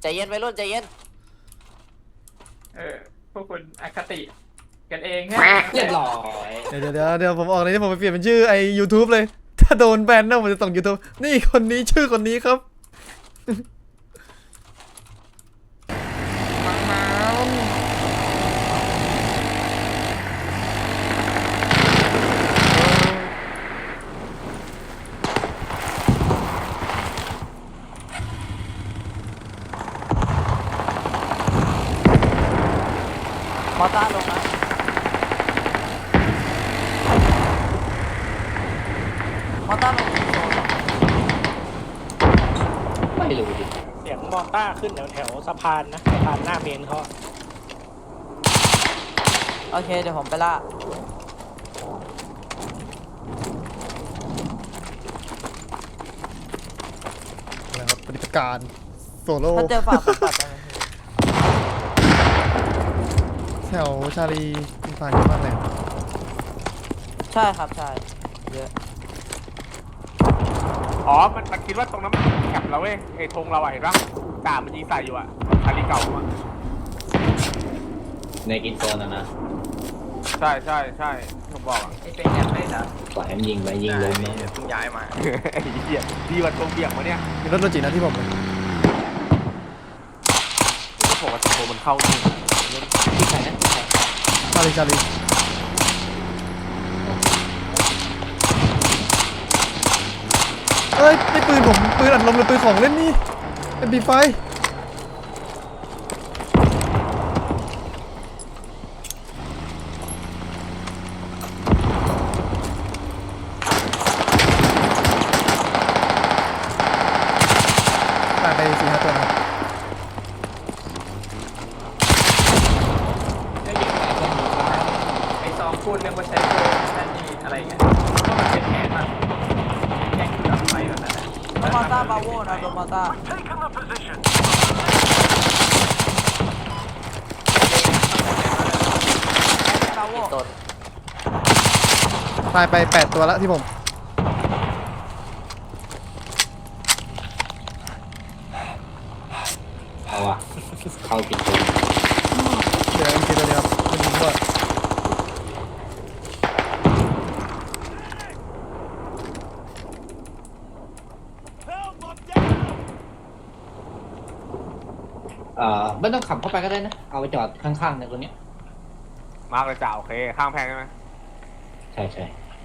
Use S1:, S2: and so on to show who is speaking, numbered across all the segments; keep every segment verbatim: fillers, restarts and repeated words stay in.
S1: ใจเย็นไปรุ่นใจเย็น
S2: เออพวกคุณอคติกันเองแค่
S3: เรียบร้อย
S4: เดี๋ยวเดี๋ยวเดี๋ยวผมออกเลยที่ผมไปเปลี่ยนเป็นชื่อไอ YouTube เลยถ้าโดนแบนนะผมจะส่ง YouTube นี่คนนี้ชื่อคนนี้ครับ
S1: มอต้าลงนะมอต้าลงโซนหรอ
S3: ไม่รู้ดิ
S5: เสียงมอต้าขึ้นแถวแถวสะพานนะสะพานหน้าเมนเขา
S1: โอเคเดี๋ยวผมไปล่า
S4: นะครับปฏิบัติการโซโล่
S1: ถ้าเจอฝากผมตัดได้ไหม
S4: แถวชาลีอินฟานเยอะมากเลย
S1: ใช่ครับใช่เยอะ
S6: อ๋อมันมันคิดว่าตรงนั้นมันแคปเราเว้ยไอ้ธงเราอะเห็นปะกามันยิงใส่อยู่อะคาริเก่าอะ
S3: ในกินโซนนะนะ
S6: ใช่ใช่ใช่ผมบอกอะ
S2: ไอ้เป็นแอปไม่เหรอ
S3: ปล่อยให้มันยิงไปยิงลงเนาะ
S2: เพิ่งย้ายมา
S6: ไอ้เหี้ยดีกว่าตรงเบี่ยงมาเนี่ย
S4: มีรถโลจินะที่ผมเลย
S6: ที่ผมว่าตรงมันเข้าจริง
S3: ที่ใครนะที่ใคร
S4: ชาลีชาลีเอ้ยไม่ปืนผมปืนอัดลมหรือปืนของเล่นนี่เป็นบีไฟตายไปสี่ห้าตัวนะ
S2: ไอ้ซองพูดเรื่องว่าใช้โปรนั่นนี่อะไรเงี้ยเพราะมันเป็นแผนมันแข่งกับไฟแบบนั้น
S1: มอต้าบาโวนะโดนมอต้าบาโว
S4: ตายไปแปดตัวแล้วที่ผม
S3: เอาอะเข้ากินโซน
S4: เดี๋ยวอีกทีตัวเดียวมันยิงด้วย
S3: เอ่อไม่ต้องขับเข้าไปก็ได้นะเอาไปจอดข้างๆในตรงเนี้ย
S6: มากเลยจ่าโอเคข้างแพงใช่ไหม
S3: ใช่ใช่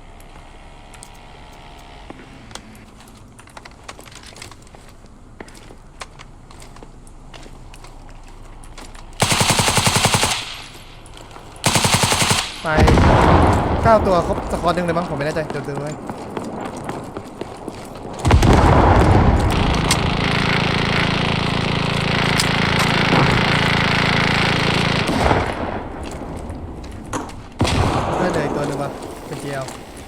S4: ตายเก้าตัวครบสกอร์หนึ่งเลยมั้งผมไม่แน่ใจเดี๋ยวดูไว้ได้เลยตัวหนึ่งว่ะเป็นเจียว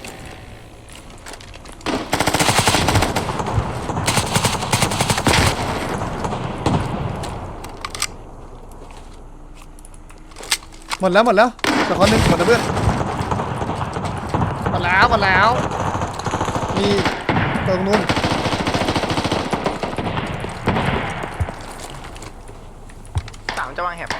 S4: หมดแล้วหมดแล้วสกอร์หนึ่งหมดแล้วเพื่อนหมดแล้วหมดแล้วมีตรงนู้น
S2: สามจะวางแหบ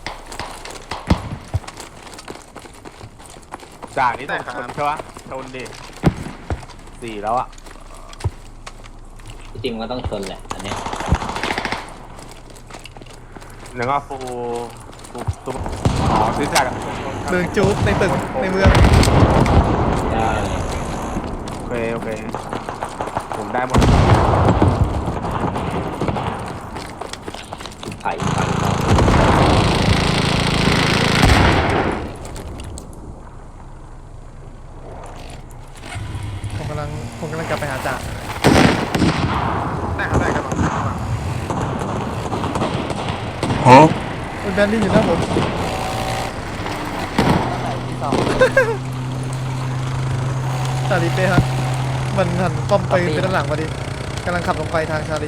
S6: จ่านี่ต้องชนใช่ปะชนดิสี่แล้วอะ
S3: จริงๆมันต้องชนแหละอันเนี้ย
S6: หนึ่งก็ฟูฟูฟูอ๋อซื้อจาก
S4: เดินจู๊บในตึกในเมือง
S3: ได้
S6: โอเคโอเคผมได้หมด
S3: ไผ่ไผ่
S4: ผมกำลังผมกำลังกลับไปหาจ่า
S2: ได้ครับได้ครับ
S4: เป็นแบนดี้อยู่หน้าผม
S1: ไหนที่สอง
S4: ชาลีเป้ฮะมันหันป้อมไปไปด้านหลังพอดีกำลังขับลงไปทางชาลี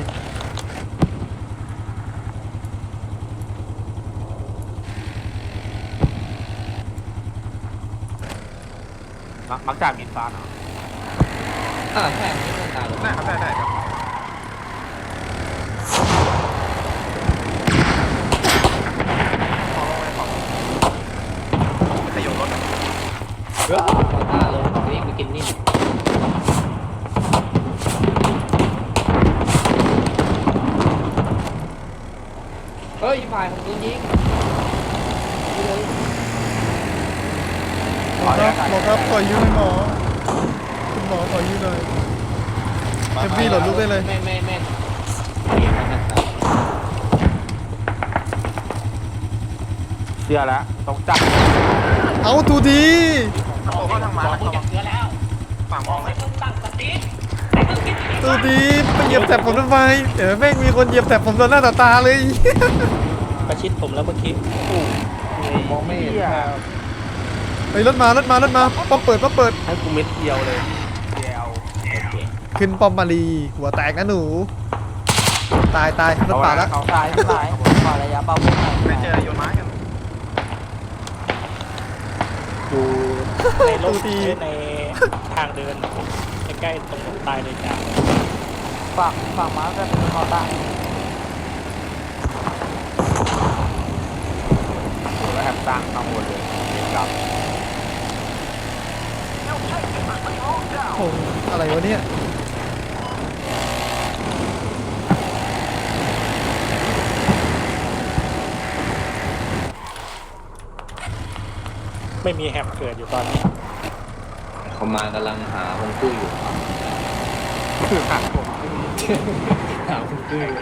S6: มักมักจ่ามินฟ้าเนาะ
S3: อ่าใช่ไม่ต้องการหรอก
S2: ได้ครับได้ได้ครับ
S3: ต่อหน้าเลยวิ่งไปกินนี่เฮ้ยฝ่ายผมโดนยิง
S4: หมอครับหมอครับขอยืมหน่อยหมอคุณหมอขอยืมหน่อยเอ็มพีโหลดลูกได้เลย
S3: ไม่ไม่ไม่
S6: เชื่อแล้วต้องจับ
S4: เอาตูดี
S6: ผมก็ทางมาแล้วฝั่งมองเลย
S4: ตูดีไปเหยียบแถบผมทำไมเดี๋ยวแม่งมีคนเหยียบแถบผมต่อหน้าต่อตาเลย
S5: ประชิดผมแล้วเมื่อกี้
S6: มองไม่เห็น
S4: ไปรถมารถมารถมาป้อมเปิดป้อมเปิด
S6: ให้กูเม็ดเดียวเลยเดียว
S4: ขึ้นป้อมมาลีหัวแตกนะหนูตายตายรถป่าแล้ว
S2: เขา
S1: ตายไม่ตายขอระยะเบาพุ่งหน่อย
S6: ไม่เจอโยนไม้กัน
S5: อยู่ในรถในทางเดินใกล้ๆตรงผมตายเลยจ้า
S1: ฝั่งฝั่งม้าก็เป็นคอต้า
S6: แล้วแฮมตั้งข้างบนเลยเห็นกับ
S4: โอ้อะไรวะเนี่ย
S5: ไม่มีแฮมเกิดอยู่ตอนนี้
S3: เขามากำลังหาฮงจุ้ยอยู่
S6: คือหักผม
S3: หาฮงจุ้ยอยู่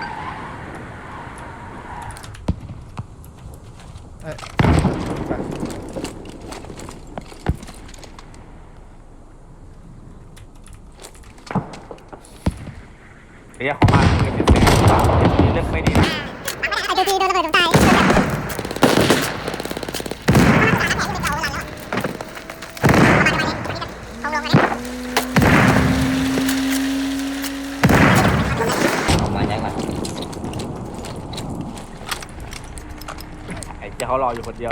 S4: เอ้ย
S6: เฮียเขามาเงินเป็นแสนเลือกไม่ดีนะ
S7: ไอ้ดูดีโดนระเบิดตายเอาลงมาดิ
S3: เขามายังไง
S6: ไอ้เจ้าเขารออยู่คนเดียว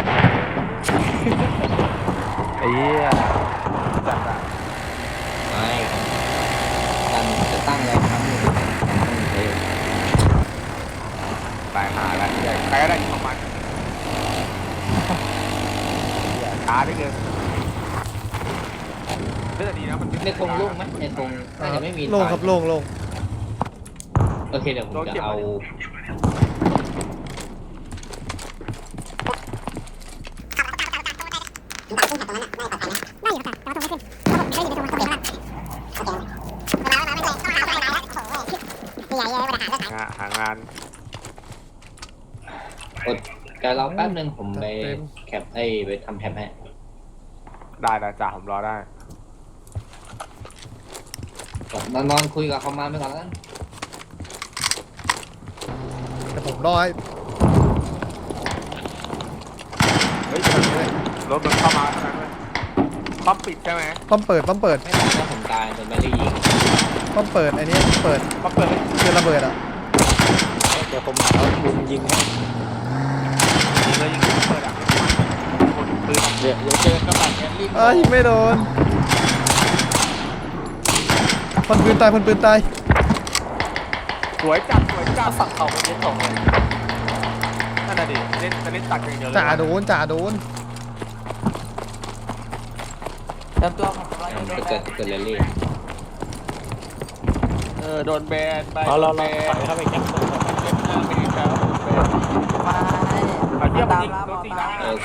S6: ไอ้เหี้ยจัดอะ
S3: ไม่การจะตั้งอะไรครั้งหนึ่งเร็ว
S6: ตายหาแล้วใครก็ได้ของมันช้าได้เกินเรื่องดีนะมัน
S3: ในธงโล่งไหมในธงน่าจะไม่มี
S4: โล่งครับโล่งโล่ง
S3: โอเคเดี๋ยวผมจะเอา
S6: หางาน
S3: กดแกรอแป๊บนึงผมไปแคปไอ้ไปทำแท็บให้
S6: ได้ได้จ้าผมรอได้
S3: นอนนอนคุยกับเขามาไปก่อนแล้วกัน
S4: แต่ผมรอให้
S6: เฮ้ยรถมันเข้ามาเท่านั้นเลยป้อมปิดใช่ไหม
S4: ป้อมเปิดป้อมเปิด
S3: ไม่ตายถ้าผมตายโดนไม่ได้ยิง
S4: ป้อมเปิดไอ้นี่เปิด
S6: ป้อมเปิดเลย
S4: คือระเบิดอ่ะ
S5: เดี๋ยวผมเอาลุมยิงให้
S6: ยิงเลยยิงเปิดอ่ะคนปืน
S5: เดี๋ยวเดี๋ยวเจอกระบะแกลลี่
S4: เอ้ยไม่โดนคนปืนตายคนปืนตาย
S6: สวยจัดสวยจัด
S2: ฝั่งเขาเป็นเล่นส่งเลย
S6: นั่นน่ะดิเล่นจะเล่นตัดอย่างเดียวเลย
S4: จ่าโดนจ่าโดน
S1: เตรียมตัวผมร้อย
S3: มัน
S1: โด
S3: ไป
S1: น
S3: เกิดเกิดเรลลี่
S6: เออโดนแบนไป
S5: เอาเราเราถอยเข้าไปแคปตรงก่อน
S6: เล่นหน้าไม่ครับ
S1: มาให้
S6: เอาเยี่ยม
S1: ตาม
S6: ยิง
S1: รับ
S6: โดน
S1: เอา
S6: ตี
S1: ตา
S6: นะ
S1: ม
S3: โอเค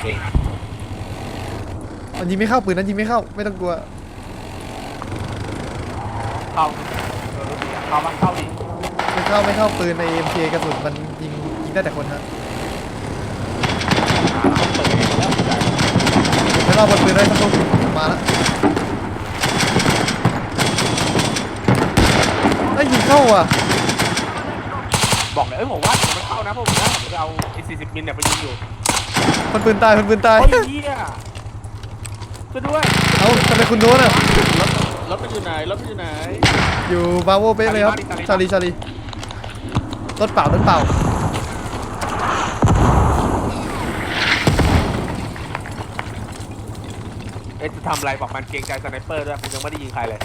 S4: มันยิงไม่เข้าปืนนั้นยิงไม่เข้าไม่ต้องกลัว
S6: เข้าเออเข้าบ้านเข้าดิ
S4: ไม่เข้าไม่เข้าปืนใน เอ็ม เค กระสุนมันยิงยิงได้แต่คนฮะ
S5: เปิดแล้ว
S4: ไม่รอบบนปืนได้สักลูกมาแล้วไอ้ยยิงเข้าอ่ะ
S6: บอกเลยเอ้ยผมว่าผมมันเข้านะผมนะผมจะเอาไอ้สี่สิบมิลเนี่ยไปยิงอยู่
S4: คนปืนตายคนปืนตาย
S6: โอ้ยเหี้ยช่วยด้วย
S4: เอ้าทำไมคุณโดนอ่ะ
S6: รถมันอยู่ไหนรถมันอยู่ไหน
S4: อยู่บาโวเป๊ะเลยครับชาลีชาลีรถเปล่ารถเปล่า
S6: เอ๊ะจะทำอะไรบอกมันเกรงใจสไนเปอร์ด้วยผมยังไม่ได้ยิงใครเลย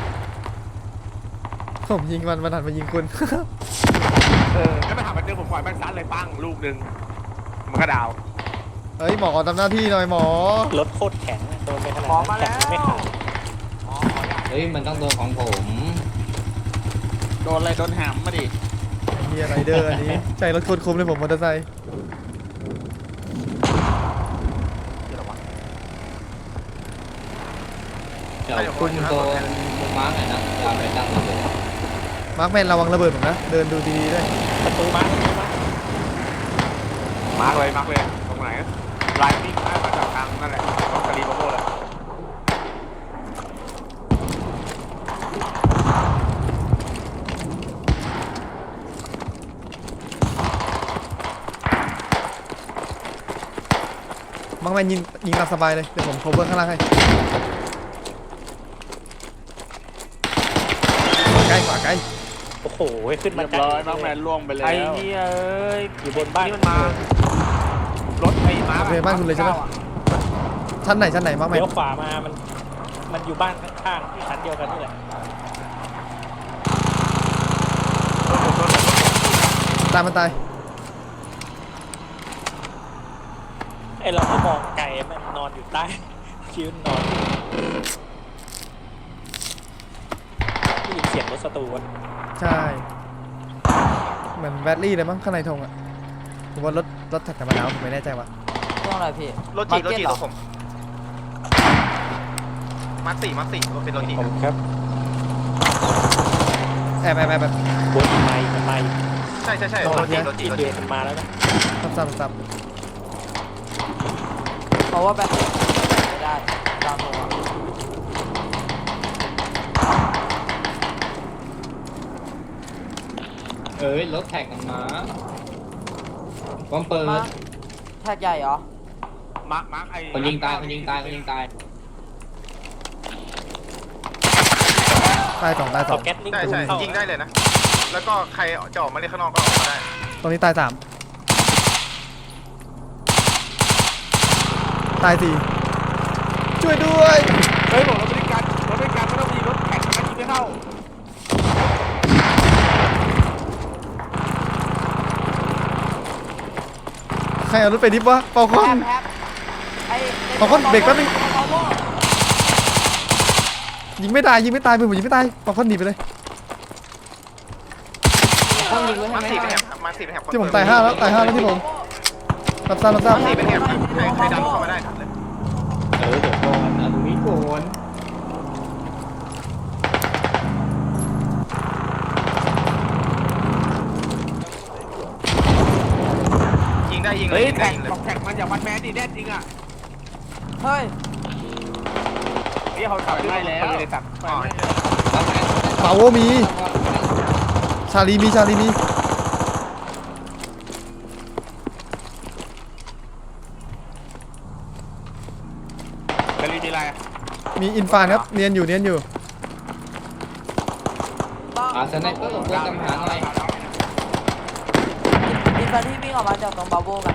S4: ผมยิงมันมันหันมายิงคุณ
S6: เออแล้วไปหามันเจอผมปล่อยมันซัดเลยปั้งลูกหนึ่งมันก็ดาว
S4: เฮ้ยหมอทำหน้าที่หน่อยหมอ
S5: รถโคตรแข็งอะโดนไปขนาด
S6: หมอ
S5: นั้น
S6: มา
S5: แข็
S6: แล้
S5: ง
S6: ว
S5: ไม่ขาด
S6: อ๋อขออยาก
S3: เฮ้ยมันต้องโดนของผม
S8: โดนอะไรโดนหามมาดิ
S4: เฮียไรเดอร์อันนี้ใจรถโคตรคมเลยผมมอเตอร์ไซค์
S3: เดี๋ยวคุมโดนมุมมาร์กหน่อยนะจะเอาไปตั้งระเบิด
S4: มาร์คแมนระวังระเบิดผมนะเดินดูดีๆด้วย
S5: ประตูมาประตูมา
S6: มาร์กเลยมาร์กเลยตรงไหนไลน์วิ่งมาจากทางนั่นแหละตรงกะลีโบโบเลย
S4: มาร์คแมนยิงยิงตามสบายเลยเดี๋ยวผมโคเวอร์ข้างล่างให้ขวาใกล้ขวาใกล้
S5: โอ้โหขึ้นมา
S8: เรียบร้อยมาร์คแมนล่วงไปแล้ว
S6: ไอ้เหี้ยเอ้ย
S5: อยู่บนบ้าน
S6: นี่มันมารถไอ้มาร์
S4: โอเคบ้านคุณเลยใช่ไหมชั้นไหนชั้นไหนมาร์คแมน
S5: เลี้ยวขวามามันมันอยู่บ้านข้างๆชั้นเดียวกันนี่แหละ
S4: ตายมันตาย
S5: ไอเราก็มองไก่มันนอนอยู่ใต้คิ้วนอนได้ยินเสียงรถสตูน
S4: ใช่เหมือนแบตลี่เลยมั้งข้างในธงอ่ะผมว่ารถรถถักกันมาแล้วผมไม่แน่ใจว่า
S1: ช่วงอะไรพี่
S9: รถจีรถจี
S1: เห
S9: รถผมมาร์คสี่มาร์คสี่รถเป็นรถจี
S5: ผมครับ
S4: แอบแอบแอบแบบ
S5: บนไม้มันไม้
S9: ใช่ใช่ใช่
S5: นอ
S9: ร
S5: น
S9: ถจี
S5: เนี่ย
S9: รถจี
S5: ที
S9: รถ
S5: เดี
S9: จี
S5: ยวมันมาแล้วนะ
S4: ซับซับซับ
S1: เพราะว่าแบบไม่ได้ตามตัว
S3: เอ้ยรถแท็กกันมาป้อมเปิด
S1: มาแท็กใหญ่เหรอ
S6: มาร์กมาร์กไอ้
S3: คนยิงตายคนยิงตายคนยิงตาย
S4: ตายสองตายส
S5: ต่
S4: อ
S5: อง แก๊สนิ่ง
S9: ใช่
S5: ตู
S9: ใช่
S5: เข้า
S9: ยิงได้เลยนะ แล้วก็ใครจะออกมาเล่นข้างนอกก็ออกมาได้
S4: ตรงนี้ตายสามตายสี่ช่วยด้วย
S6: เฮ้ยบอกเราบริการเราบริการไม่ต้องมีรถแข่งนะยิงไม่เข้า
S4: ใครเอารถไปดิฟวะเปาคอ
S1: แอน บแอบไอ้
S4: ขอคนเบรกแป๊บนึง
S1: ขอโทษ
S4: ยิงไม่ตายยิงไม่ตายเพื่อนผมยิงไม่ตายเปาคอนหนีไปเลย
S1: ต้องยิงไว้ให้
S9: มาร์ค
S1: ไหม
S9: สี่เป็นแถบมาร์คสี่เป็นแถบ
S4: ที่ผมตายห้าแล้วตายห้าแล้วที่ผมรับทราบรับทราบ
S9: มาร์คสี่เป็นแถบใครใครดันเข้ามาได้เลย
S3: เออเดี๋ยวก่อนเอาตรงนี้ก่อน
S9: ยิงได้ยิงเล
S6: เฮ้
S9: ย
S6: ย
S9: ยิงได้
S6: แข่ง
S9: ยิงเลย
S6: บอกแข่งมันอย่ามันแมนดิแน่จริงอ่ะ
S1: เฮ้ย
S6: เฮ้ยเขาขับได้แล้วเลยสัตว์
S9: อ๋อ
S3: รับแม่
S4: เปาโวมีชาลีมีชาลีมี
S6: กะลีมีอะไร
S4: มีอินฟานครับเนียนอยู่เนียนอยู่
S1: ต้อง
S3: อาสไนเปอร์ตัวกำหาหน่อย
S1: อินฟาที่วิ่งออกมาจากตรงบาโบกัน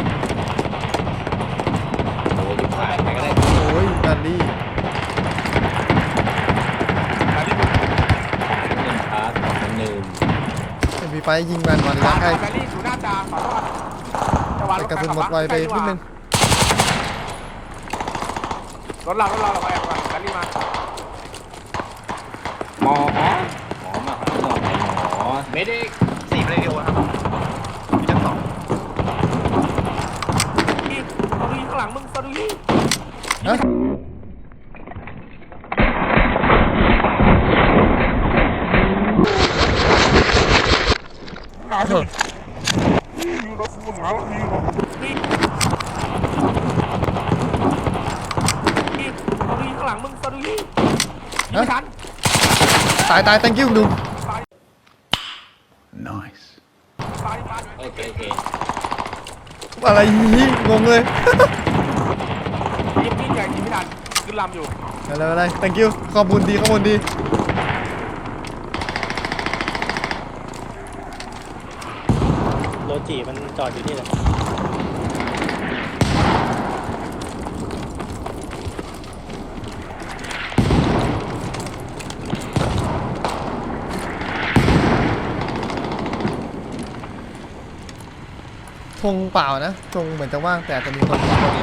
S3: โอ้ยผ่านไปก็ได้
S4: โอ้ยดันลี่
S6: กะลี
S3: หนึ่งพาร์ทสองหนึ่ง
S4: เอ็มพีไฟยิงแมนวันระยะใกล้
S6: กะลีอยู่หน้าตาขอโทษจะวาง
S4: แต่กระสุนหมดไวไปนิดนึง
S6: รถเรารถเราเราไปแอบก่อนกะลีมา
S3: หมอหมอหมอมาหาหน่อยหมอเมดิก
S9: สี่เป็นเรดิโอครับมีชั้นสอง
S6: อีกตัวดูข้างหลังมึงตัวดูยี่
S4: ฮะ
S6: อีกตัวดูข้างหลังมึงตัวดูยี่ไม่ทัน
S4: ตายตาย thank you ดุม
S6: ตายตาย
S3: โอเคโอเค
S4: อะไรนี่งงเลย
S6: ยิงยิงใหญ่ยิงไม่ทันขึ้นลำอยู่
S4: อะไรอะไร thank you ข้อมูลดีข้อมูลดี
S5: โรจิมันจอดอยู่นี่แหละ
S4: ธงเปล่านะธงเหมือนจะว่างแต่จะมีคน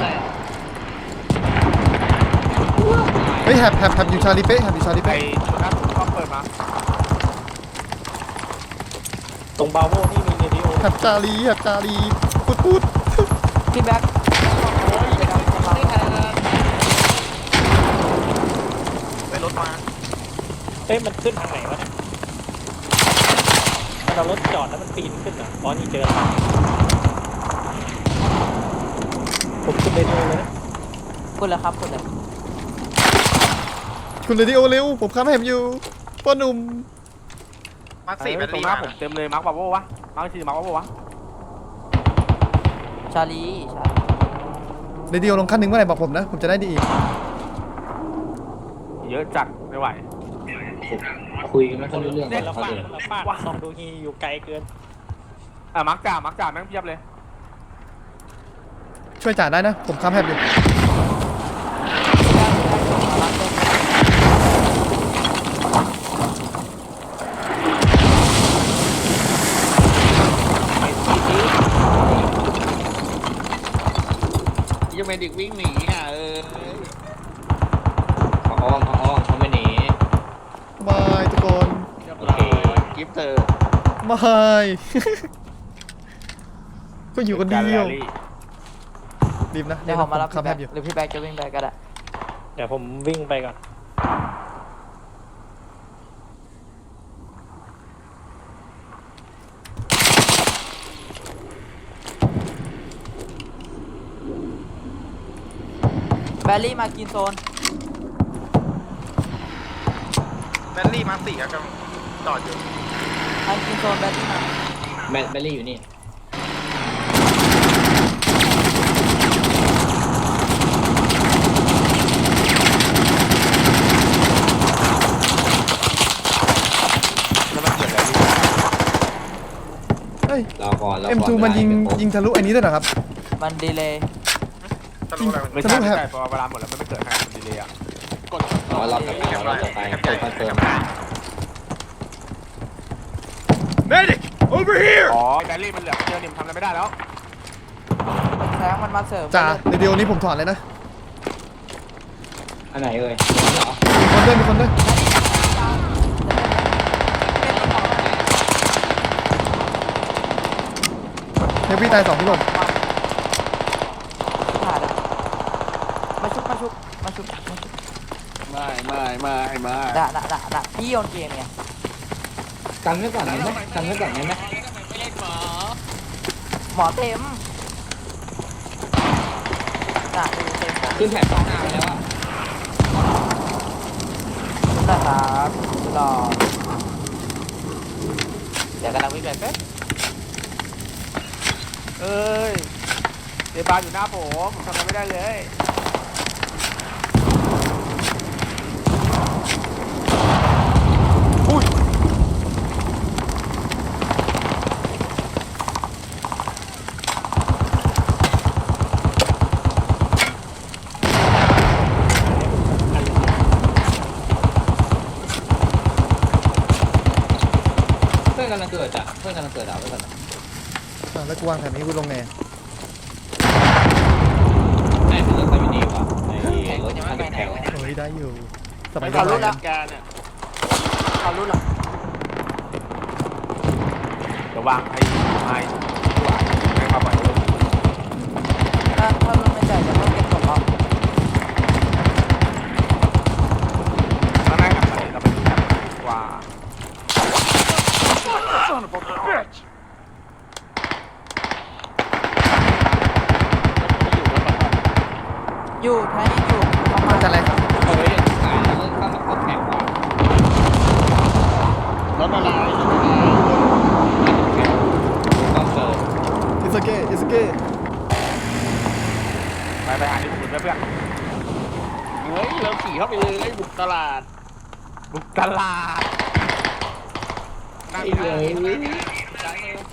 S4: เฮ้ยแฮบแฮบแฮบอยู่ชาลีเป้แฮบอยู่ชาลี
S6: ไอ้
S4: เป้
S6: ชุดนั้นก็เปิดมา
S5: ตรงบาโวนี่มีเรดิโอ
S4: แฮบชาลีแฮบชาลีพูดพูด
S1: พี่แบ็ค
S9: ไปรถมา
S5: เอ้ยมันขึ้นทางไหนวะเนี่ยมันเอารถจอดแล้วมันปีนขึ้นเหรออ๋อนี่เจอแล้วผมขึ้นเรดิโอเลยนะ
S1: พูดแล้วครับพูดเลย
S4: คุณเรดิโอเร็วผมค้ำแฮบอยู่พ่อหนุ่ม
S9: มาร์คสี่แบต
S6: ต
S9: เต
S6: ร
S9: อง รี่
S6: หน้า
S9: มา
S6: ผมเต็มเลยมาร์คบาโววะมาร์คสี่มาร์คบาโววะ
S1: ชาลีชาลี
S4: เรดิโอลงขั้นหนึ่งเมื่อไหร่บอกผมนะผมจะได้ดีอีก
S6: เยอะจัดไม่ไหว
S3: คุยกันไม่ค่อยรู้เรื่อง
S5: เนี่ย
S3: กับ
S5: เรา
S3: เขา
S5: ฟาด
S3: เลย
S5: เราฟาดซองดูฮีอยู่ไกลเกิน
S6: อ่ะมาร์คจ่ามาร์คจ่าแม่งเพียบเลย
S4: ช่วยจ่าได้นะผมค้ำแฮบอยู่
S8: ยังไม่เด็กวิ่งหนีอ่ะเออ
S3: เขาอ้อมเขาอ้อมเขาไม่หนี
S4: บายทุกคน
S8: เรียบ
S3: โอ
S8: ร้อ
S3: เค
S8: ยกิฟต์เธอบ
S4: ายก็อยู่คนเดียว
S6: การแรลลี่
S4: รีบนะ
S1: เดี๋ยวผมมารับ
S4: ค้ำ
S1: พี่
S4: แฮ
S1: แบ็
S4: บ
S1: ค
S4: อยู่
S1: หรือพี่แบ็คจะวิ่งไปก็ได้
S5: เดี๋ยวผมวิ่งไปก่อน
S1: แบลลี่มากินโซน
S9: แบตเตอรี่มาร์คสี่อะกำลังจอดอยู่
S1: มากินโซนแบลลี่มา
S3: แบตแบตลี่อยู่นี่
S6: แล้วมันเกิดอะไรขึ้น
S4: เฮ้ย
S3: รอก่อนรอก่อน
S4: เอ็ม ทู มันยิงยิงทะลุไอ้นี้ด้วยเหรอครับ
S1: มันดีเลย
S9: จะรู้อะไรมัน
S6: ไม่ใช่ไม่ใช่พอเวลาหมดแล้วมันไม่เกิดขนาดมันดีเลยอ่ะ
S8: กด
S3: รอรอบต่อไปรอรอบต่อไปเปิดคอนเฟิร์ม
S4: Medic over here
S6: อ๋อไอ้แบลลี่มันเหลือเจอเนี่ยมันทำอะไรไม่ได้แล้ว
S1: แสงมันมาเสริม
S4: จ่าเรดิโอนี้ผมถอดเลยนะ
S3: อันไหนเอ่ยเหรอ
S4: มีคนด้วยมีคนด้วยเฮฟวี่ตายสองพี่ผม
S1: ผ่านแล้วมาชุบมาชุบมาชุบมาชุบ
S8: ไม่ไม่ไม่ไม่
S1: ด่าด่าด่าด่าพี่โยนเกมไง
S3: กันไว้ก่อนได้ไหมกันไว้ก่อนได้ไหม
S1: หมอเต็มด่าดูเต็ม
S3: ขึ้นแถบข้างหน้าไปแล้วอ่ะ
S1: นะครับรอเดี๋ยวกำลังวิ่งไปเป๊ะ
S6: เอ้ยเดบานอยู่หน้าผมผมทำอะไรไม่ได้เลยอุ้ย
S3: เพื่อนกำลังเกิดอ่ะเพื่อนกำลังเกิดอ่ะเพื่อน
S4: อ่ะแล้วกูวางแถบนี้กูลงไง
S3: แม่เป็นรถไฟมินิว่ะไอ้รถคันแถว
S4: โอ้ยได้อยู่สมัย
S8: เขา
S4: ก่อน
S8: รู้หลักการอ่ะ
S1: เขารู้หรอ
S6: เดี๋ยววางไอ้ไม้หวานให้มาปล่อยเลย
S1: ถ้าถ้ารู้ไม่ใจจะต้องเก็บกดล็อก
S6: ข้างในกับอะไรเราไปดูกันว่า
S1: อยู่แท้ยังอยู่ประมา
S4: มา
S1: ณ
S4: จากอะไรครับ
S3: เฮ้ยขายแล้วเข้ามาเข้าแข่งว่ะ
S8: รถอะไรรถอะไร
S3: ต้องเกิด
S4: อิสเก้อิสเก้
S6: ไปไปหาที่สุดเพื่อน
S8: เฮ้ยเราขี่เข้าไปเลยไอ้บุกตลาด
S6: บุกตลาดนั่ง
S3: ไอ้
S6: เล
S3: เลย ย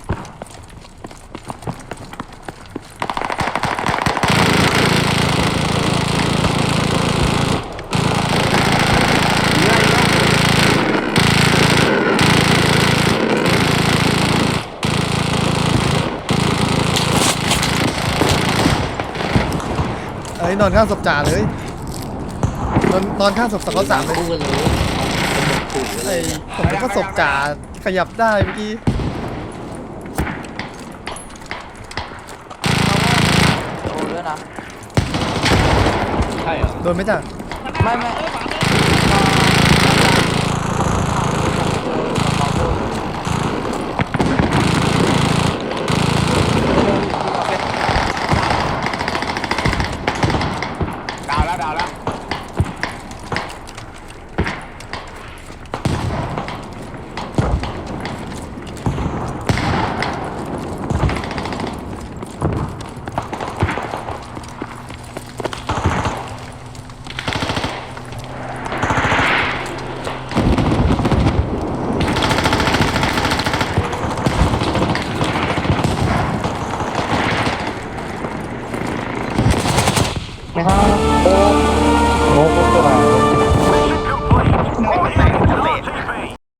S4: ฮ้ยนอนข้างศพจ่าเลยนอนนอนข้างศพสกอตสามเลย
S3: คู่กันเลยเป็นหมดขู่กันเล
S4: ไอ้
S3: ย
S4: ผมนึกว่าศพจ่าขยับได้เมื่อกี้
S1: โดนด้วยนะ
S3: ใช่เหรอ
S4: โดนไหมจ่า
S1: ไม่ไม่
S6: ดาวแล้วดาวแล้ว
S5: ไม่ครับ